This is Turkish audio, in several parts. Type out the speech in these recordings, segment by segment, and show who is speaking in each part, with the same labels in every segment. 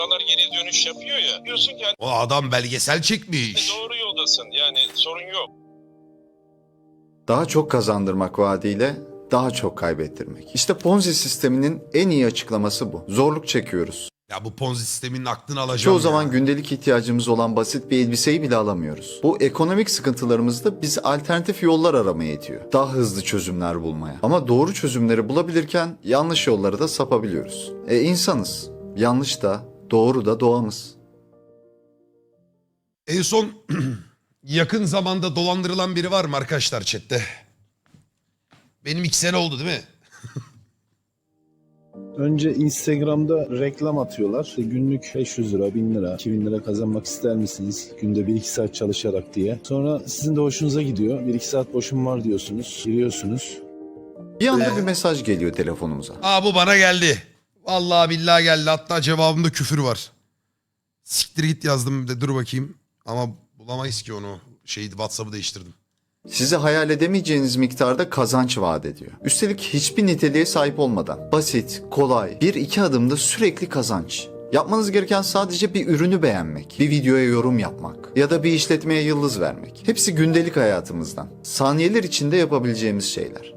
Speaker 1: geri dönüş yapıyor ya. Diyorsun ki
Speaker 2: O adam belgesel çekmiş.
Speaker 1: doğru yoldasın. Yani sorun yok.
Speaker 3: Daha çok kazandırmak vaadiyle daha çok kaybettirmek. İşte Ponzi sisteminin en iyi açıklaması bu. Zorluk çekiyoruz.
Speaker 2: Ya bu Ponzi sisteminin aklını alacağım
Speaker 3: Çoğu
Speaker 2: ya.
Speaker 3: zaman gündelik ihtiyacımız olan basit bir elbiseyi bile alamıyoruz. Bu ekonomik sıkıntılarımızda bizi alternatif yollar aramaya itiyor. Daha hızlı çözümler bulmaya. Ama doğru çözümleri bulabilirken yanlış yollara da sapabiliyoruz. İnsanız. Yanlış da doğru da doğamız.
Speaker 2: En son yakın zamanda dolandırılan biri var mı arkadaşlar chatte? Benim 2 sene oldu değil mi?
Speaker 4: Önce Instagram'da reklam atıyorlar. İşte günlük 500 lira, 1000 lira, 2000 lira kazanmak ister misiniz? Günde 1-2 saat çalışarak diye. Sonra sizin de hoşunuza gidiyor. 1-2 saat boşum var diyorsunuz. Giriyorsunuz.
Speaker 3: Bir anda bir mesaj geliyor telefonumuza.
Speaker 2: Aa bu bana geldi. Vallahi billahi geldi. Hatta cevabımda küfür var. Siktir git yazdım de dur bakayım. Ama bulamayız ki onu. WhatsApp'ı değiştirdim.
Speaker 3: Size hayal edemeyeceğiniz miktarda kazanç vaat ediyor. Üstelik hiçbir niteliğe sahip olmadan. Basit, kolay, 1-2 adımda sürekli kazanç. Yapmanız gereken sadece bir ürünü beğenmek, bir videoya yorum yapmak ya da bir işletmeye yıldız vermek. Hepsi gündelik hayatımızdan. Saniyeler içinde yapabileceğimiz şeyler.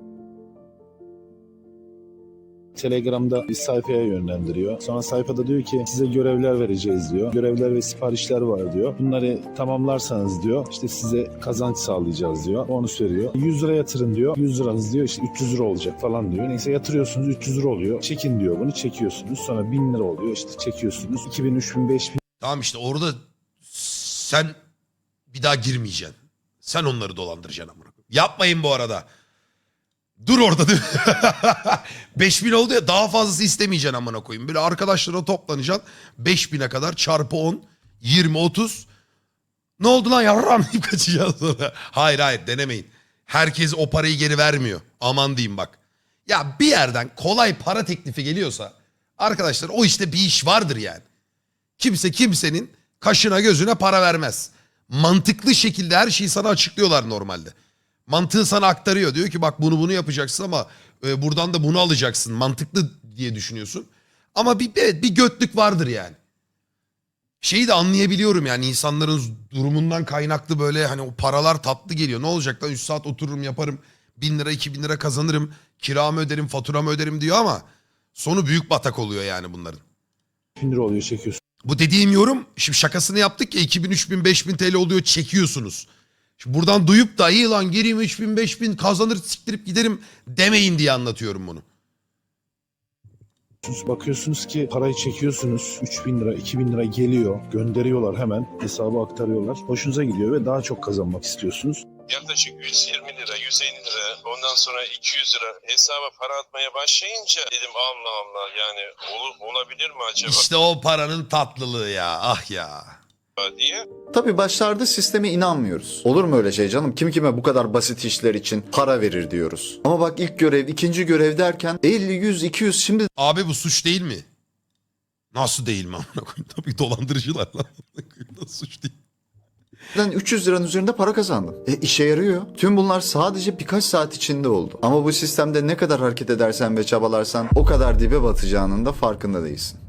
Speaker 4: Telegram'da bir sayfaya yönlendiriyor. Sonra sayfada diyor ki size görevler vereceğiz diyor. Görevler ve siparişler var diyor. Bunları tamamlarsanız diyor işte size kazanç sağlayacağız diyor. Onu söylüyor. 100 lira yatırın diyor. 100 liranız diyor işte 300 lira olacak falan diyor. Neyse yatırıyorsunuz 300 lira oluyor. Çekin diyor bunu çekiyorsunuz. Sonra 1000 lira oluyor işte çekiyorsunuz. 2000, 3000, 5000
Speaker 2: Tamam işte orada sen bir daha girmeyeceksin. Sen onları dolandıracaksın amına koyayım. Yapmayın bu arada. Dur orada değil mi? 5000 oldu ya daha fazlası istemeyeceksin amına koyayım. Böyle arkadaşlara toplanacaksın. 5000'e kadar çarpı 10, 20, 30. Ne oldu lan yavrum deyip kaçacaksın sonra. Hayır denemeyin. Herkes o parayı geri vermiyor. Aman diyeyim bak. Ya bir yerden kolay para teklifi geliyorsa arkadaşlar o işte bir iş vardır yani. Kimse kimsenin kaşına gözüne para vermez. Mantıklı şekilde her şeyi sana açıklıyorlar normalde. Mantığı sana aktarıyor. Diyor ki bak bunu yapacaksın ama buradan da bunu alacaksın. Mantıklı diye düşünüyorsun. Ama bir götlük vardır yani. Şeyi de anlayabiliyorum yani insanların durumundan kaynaklı böyle hani o paralar tatlı geliyor. Ne olacak lan 3 saat otururum yaparım 1000 lira 2000 lira kazanırım. Kiramı öderim faturamı öderim diyor ama sonu büyük batak oluyor yani bunların.
Speaker 4: lira oluyor çekiyorsunuz.
Speaker 2: Bu dediğim yorum şimdi şakasını yaptık ya 2000 3000 5000 TL oluyor çekiyorsunuz. Şimdi buradan duyup da iyi lan gireyim 3000 5000 kazanır siktirip giderim demeyin diye anlatıyorum bunu.
Speaker 4: Bakıyorsunuz ki parayı çekiyorsunuz. 3000 lira, 2000 lira geliyor. Gönderiyorlar hemen. Hesaba aktarıyorlar. Hoşunuza gidiyor ve daha çok kazanmak istiyorsunuz.
Speaker 1: Yaklaşık 120 lira, 150 lira, ondan sonra 200 lira hesaba para atmaya başlayınca dedim Allah Allah yani olabilir mi acaba
Speaker 2: İşte o paranın tatlılığı ya ah ya.
Speaker 1: diye.
Speaker 3: Tabii başlarda sisteme inanmıyoruz. Olur mu öyle şey canım? Kim kime bu kadar basit işler için para verir diyoruz. Ama bak ilk görev, ikinci görev derken 50, 100, 200 şimdi
Speaker 2: Abi bu suç değil mi? Nasıl değil mi amına koyayım? Tabii dolandırıcılar lan. Nasıl suç değil?
Speaker 3: 300 liranın üzerinde para kazandım. İşe yarıyor. Tüm bunlar sadece birkaç saat içinde oldu. Ama bu sistemde ne kadar hareket edersen ve çabalarsan o kadar dibe batacağının da farkında değilsin.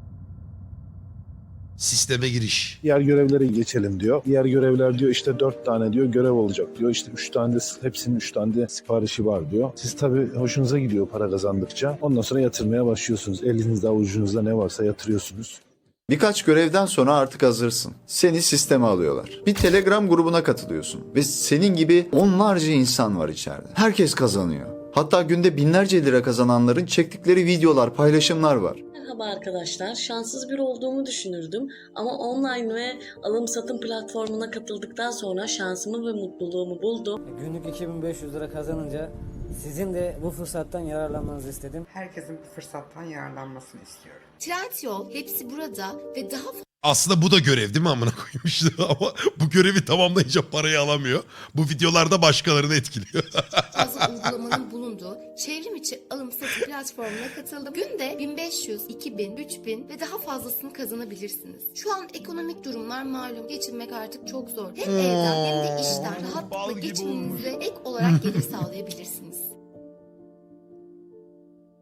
Speaker 2: Sisteme giriş.
Speaker 4: Diğer görevlere geçelim diyor. Diğer görevler diyor işte 4 tane diyor görev olacak diyor. İşte 3 tane de hepsinin 3 tane de siparişi var diyor. Siz tabii hoşunuza gidiyor para kazandıkça. Ondan sonra yatırmaya başlıyorsunuz. Elinizde avucunuzda ne varsa yatırıyorsunuz.
Speaker 3: Birkaç görevden sonra artık hazırsın. Seni sisteme alıyorlar. Bir Telegram grubuna katılıyorsun. Ve senin gibi onlarca insan var içeride. Herkes kazanıyor. Hatta günde binlerce lira kazananların çektikleri videolar, paylaşımlar var.
Speaker 5: Merhaba arkadaşlar. Şanssız bir olduğumu düşünürdüm ama online ve alım satım platformuna katıldıktan sonra şansımı ve mutluluğumu buldum.
Speaker 6: Günlük 2500 lira kazanınca sizin de bu fırsattan yararlanmanızı istedim.
Speaker 7: Herkesin bu fırsattan yararlanmasını istiyorum.
Speaker 8: Trendyol hepsi burada ve daha
Speaker 2: Aslında bu da görev değil mi amına koyayım işte ama bu görevi tamamlayınca parayı alamıyor. Bu videolarda başkalarını etkiliyor.
Speaker 8: fazla uygulamanın bulunduğu çevrim içi alım satım platformuna katıldım. Günde 1500, 2000, 3000 ve daha fazlasını kazanabilirsiniz. Şu an ekonomik durumlar malum. Geçinmek artık çok zor. Hem evden hem de işten rahatlıkla geçiminize ek olarak gelir sağlayabilirsiniz.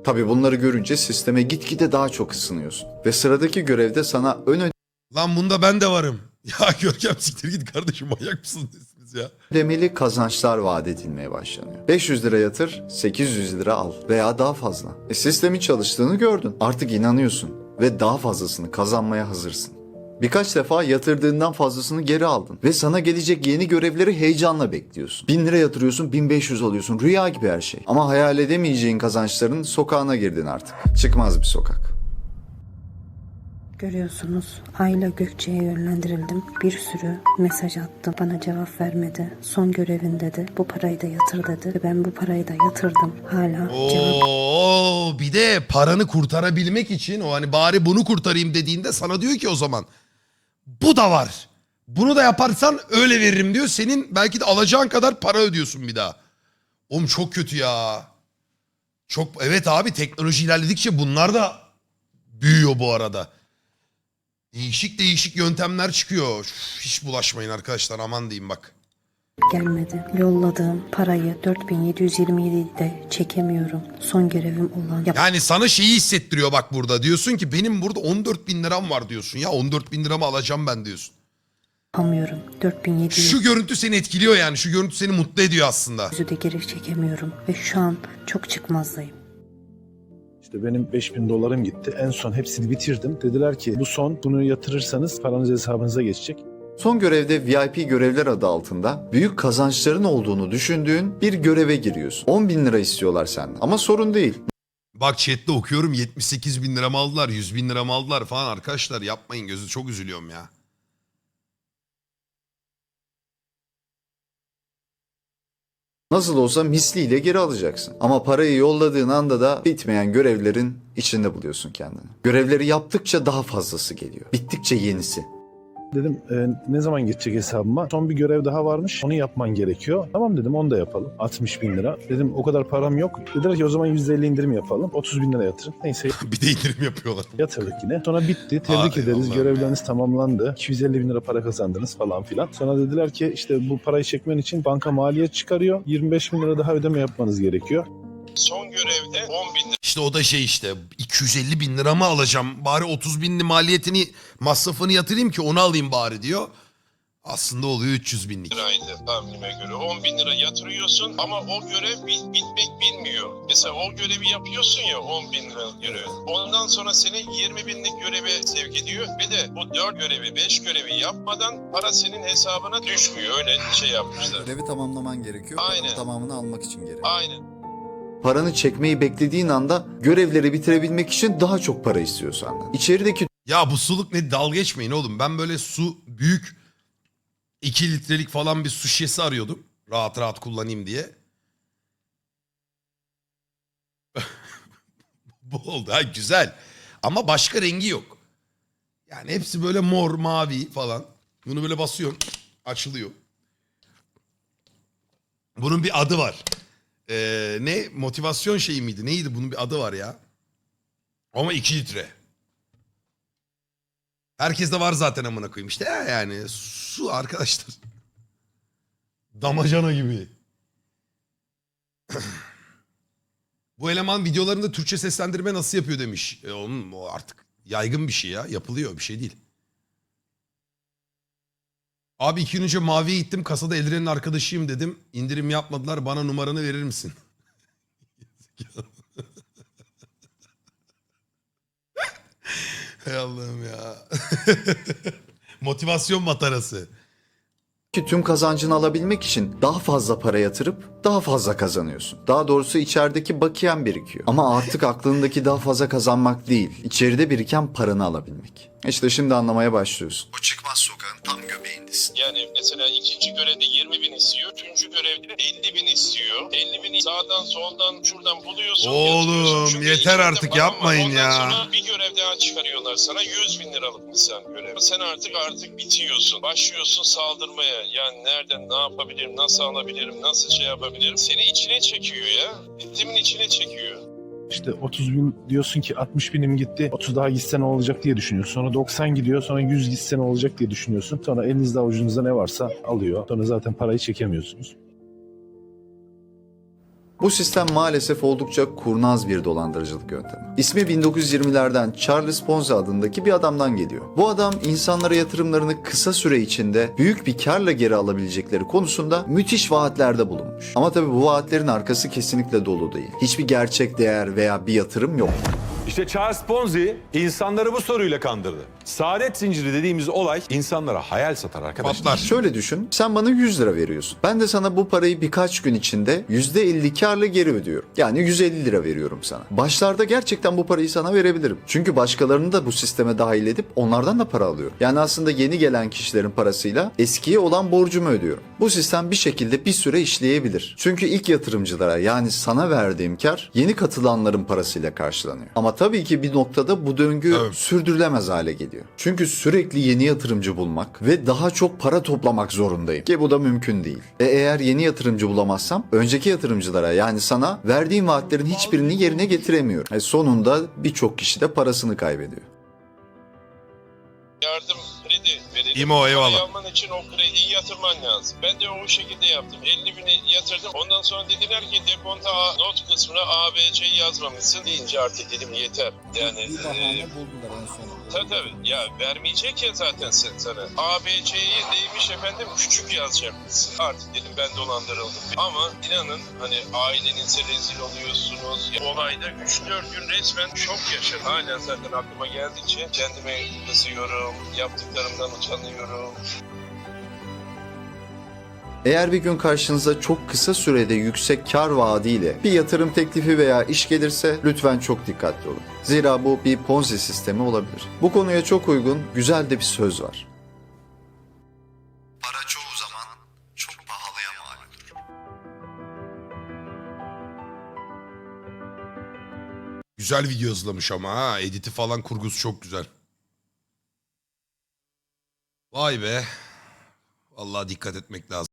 Speaker 3: Tabii bunları görünce sisteme gitgide daha çok ısınıyorsun. Ve sıradaki görevde sana
Speaker 2: Lan bunda ben de varım. Ya Görkem siktir git kardeşim, manyak mısınız siz ya?
Speaker 3: ödemeli kazançlar vaat edilmeye başlanıyor. 500 lira yatır, 800 lira al veya daha fazla. Sistemin çalıştığını gördün. Artık inanıyorsun ve daha fazlasını kazanmaya hazırsın. Birkaç defa yatırdığından fazlasını geri aldın ve sana gelecek yeni görevleri heyecanla bekliyorsun. 1000 lira yatırıyorsun, 1500 alıyorsun. Rüya gibi her şey. Ama hayal edemeyeceğin kazançların sokağına girdin artık. Çıkmaz bir sokak.
Speaker 9: Görüyorsunuz, Ayla Gökçe'ye yönlendirildim. Bir sürü mesaj attım. Bana cevap vermedi. Son görevin dedi. Bu parayı da yatır dedi. Ve ben bu parayı da yatırdım. Hala cevap
Speaker 2: Oo, bir de paranı kurtarabilmek için o hani bari bunu kurtarayım dediğinde sana diyor ki o zaman bu da var. Bunu da yaparsan öyle veririm diyor. Senin belki de alacağın kadar para ödüyorsun bir daha. Oğlum çok kötü ya. Çok, evet abi, teknoloji ilerledikçe bunlar da büyüyor bu arada. Değişik değişik yöntemler çıkıyor. Üf, hiç bulaşmayın arkadaşlar, aman diyeyim bak.
Speaker 9: gelmedi. Yolladığım parayı 4727'de çekemiyorum. Son görevim olan
Speaker 2: Yani sana şeyi hissettiriyor bak burada. Diyorsun ki benim burada 14.000 liram var diyorsun. Ya 14.000 liramı alacağım ben diyorsun.
Speaker 9: yapamıyorum. 4700'ü
Speaker 2: Şu görüntü seni etkiliyor yani. Şu görüntü seni mutlu ediyor aslında.
Speaker 9: de geri çekemiyorum. Ve şu an çok çıkmazdayım.
Speaker 4: İşte benim 5000 dolarım gitti. En son hepsini bitirdim. Dediler ki bu son, bunu yatırırsanız paranız hesabınıza geçecek.
Speaker 3: Son görevde VIP görevler adı altında büyük kazançların olduğunu düşündüğün bir göreve giriyorsun. 10.000 lira istiyorlar senden ama sorun değil.
Speaker 2: Bak chatte okuyorum, 78.000 liramı aldılar, 100.000 liramı aldılar falan. Arkadaşlar yapmayın, gözü çok üzülüyorum ya.
Speaker 3: Nasıl olsa misliyle geri alacaksın. Ama parayı yolladığın anda da bitmeyen görevlerin içinde buluyorsun kendini. Görevleri yaptıkça daha fazlası geliyor. Bittikçe yenisi.
Speaker 4: Dedim ne zaman geçecek hesabıma? Son bir görev daha varmış. Onu yapman gerekiyor. Tamam dedim, onu da yapalım. 60.000 lira. Dedim o kadar param yok. Dediler ki o zaman %50 indirim yapalım. 30.000 lira yatırın. Neyse
Speaker 2: Bir de indirim yapıyorlar.
Speaker 4: yatırdık yine. Sonra bitti. Tebrik
Speaker 2: Ay
Speaker 4: ederiz.
Speaker 2: Allah'ım
Speaker 4: Görevleriniz tamamlandı. 250.000 lira para kazandınız falan filan. Sonra dediler ki işte bu parayı çekmen için banka maliyet çıkarıyor. 25.000 lira daha ödeme yapmanız gerekiyor.
Speaker 1: Son görevde 10.000
Speaker 2: İşte o da şey işte 250.000 liramı alacağım. Bari 30.000'li maliyetini, masrafını yatırayım ki onu alayım bari diyor. Aslında oluyor 300.000'lik.
Speaker 1: liraydı tahminime göre. 10.000 lira yatırıyorsun ama o görev bitmek bilmiyor. Mesela o görevi yapıyorsun ya, 10.000 lira görevi. Ondan sonra seni 20.000'lik göreve sevk ediyor ve de bu 4 görevi 5 görevi yapmadan para senin hesabına düşmüyor. Öyle şey yapmışlar.
Speaker 3: Görevi tamamlaman gerekiyor.
Speaker 1: Aynen.
Speaker 3: Tamamını almak için gerekiyor.
Speaker 1: Aynen.
Speaker 3: Paranı çekmeyi beklediğin anda görevleri bitirebilmek için daha çok para istiyor senden. İçerideki
Speaker 2: Ya bu suluk ne, dalga geçmeyin oğlum. Ben böyle su büyük 2 litrelik falan bir su şişesi arıyordum. Rahat rahat kullanayım diye. Bu oldu ha, güzel. Ama başka rengi yok. Yani hepsi böyle mor, mavi falan. Bunu böyle basıyorsun, açılıyor. Bunun bir adı var. Ne? Motivasyon şeyi miydi? Neydi? Bunun bir adı var ya. Ama 2 litre. Herkes de var zaten amına koyayım. İşte yani su arkadaşlar. Damacana gibi. Bu eleman videolarında Türkçe seslendirme nasıl yapıyor demiş. Onun o artık yaygın bir şey ya. Yapılıyor, bir şey değil. Abi 2 gün önce Mavi'ye gittim. Kasada Eldiren'in arkadaşıyım dedim. İndirim yapmadılar. Bana numaranı verir misin? Hay Allah'ım ya. Motivasyon matarası.
Speaker 3: tüm kazancını alabilmek için daha fazla para yatırıp daha fazla kazanıyorsun. Daha doğrusu içerideki bakiyen birikiyor. Ama artık aklındaki daha fazla kazanmak değil, içeride biriken paranı alabilmek. İşte şimdi anlamaya başlıyorsun. Bu çıkmaz sokağın tam göbeğindesin.
Speaker 1: Yani mesela ikinci görevde 20.000 istiyor. Üçüncü görevde 50.000 istiyor. 50.000'i sağdan soldan şuradan buluyorsun.
Speaker 2: Oğlum,
Speaker 1: yatırıyorsun. Çünkü
Speaker 2: yeter
Speaker 1: elinde
Speaker 2: artık,
Speaker 1: paran var.
Speaker 2: yapmayın
Speaker 1: Ondan
Speaker 2: ya.
Speaker 1: sonra bir görev daha çıkarıyorlar sana. 100.000 liralık misal görev. Sen artık bitiyorsun. Başlıyorsun saldırmaya. Yani nereden ne yapabilirim, nasıl alabilirim, nasıl şey yapabilirim. Seni içine çekiyor ya. Ritmin içine çekiyor.
Speaker 4: İşte 30.000 diyorsun ki 60.000'im gitti. 30 daha gitse ne olacak diye düşünüyorsun. Sonra 90 gidiyor. Sonra 100 gitse ne olacak diye düşünüyorsun. Sonra elinizde avucunuzda ne varsa alıyor. Sonra zaten parayı çekemiyorsunuz.
Speaker 3: Bu sistem maalesef oldukça kurnaz bir dolandırıcılık yöntemi. İsmi 1920'lerden Charles Ponzi adındaki bir adamdan geliyor. Bu adam insanlara yatırımlarını kısa süre içinde büyük bir karla geri alabilecekleri konusunda müthiş vaatlerde bulunmuş. Ama tabii bu vaatlerin arkası kesinlikle dolu değil. Hiçbir gerçek değer veya bir yatırım yok.
Speaker 10: İşte Charles Ponzi insanları bu soruyla kandırdı. Saadet zinciri dediğimiz olay insanlara hayal satar arkadaşlar.
Speaker 2: Patlar.
Speaker 3: Şöyle düşün, sen bana 100 lira veriyorsun. Ben de sana bu parayı birkaç gün içinde %50 karla geri ödüyorum. Yani 150 lira veriyorum sana. Başlarda gerçekten bu parayı sana verebilirim. Çünkü başkalarını da bu sisteme dahil edip onlardan da para alıyorum. Yani aslında yeni gelen kişilerin parasıyla eskiye olan borcumu ödüyorum. Bu sistem bir şekilde bir süre işleyebilir. Çünkü ilk yatırımcılara yani sana verdiğim kar yeni katılanların parasıyla karşılanıyor. Ama tabii ki bir noktada bu döngü sürdürülemez hale geliyor. Çünkü sürekli yeni yatırımcı bulmak ve daha çok para toplamak zorundayım. Ki bu da mümkün değil. Eğer yeni yatırımcı bulamazsam önceki yatırımcılara yani sana verdiğim vaatlerin hiçbirini yerine getiremiyorum. Sonunda birçok kişi de parasını kaybediyor.
Speaker 1: Yardım kredi verelim.
Speaker 2: İmo, eyvallah.
Speaker 1: Parayı alman için o krediyi yatırman lazım. Ben de o şekilde yaptım. 50 bini yatırdım. Ondan sonra dediler ki deponta not kısmına ABC yazmamışsın deyince artık dedim yeter. Yani
Speaker 6: buldular en sonunda.
Speaker 1: tabii ya vermeyecek ya zaten sana. ABC'yi neymiş efendim küçük yazacakmışsın. Artık dedim ben dolandırıldım. Ama inanın hani ailenize rezil oluyorsunuz. Olayda 3-4 gün resmen şok yaşadım. Hala zaten aklıma geldikçe kendime kızıyorum. Yaptıklarımdan utanıyorum.
Speaker 3: Eğer bir gün karşınıza çok kısa sürede yüksek kar vaadiyle bir yatırım teklifi veya iş gelirse lütfen çok dikkatli olun. Zira bu bir Ponzi sistemi olabilir. Bu konuya çok uygun, güzel de bir söz var. Para çoğu zaman çok pahalıya mal olur.
Speaker 2: Güzel video hızlamış ama ha. Editi falan kurgusu çok güzel. Vay be. Vallahi dikkat etmek lazım.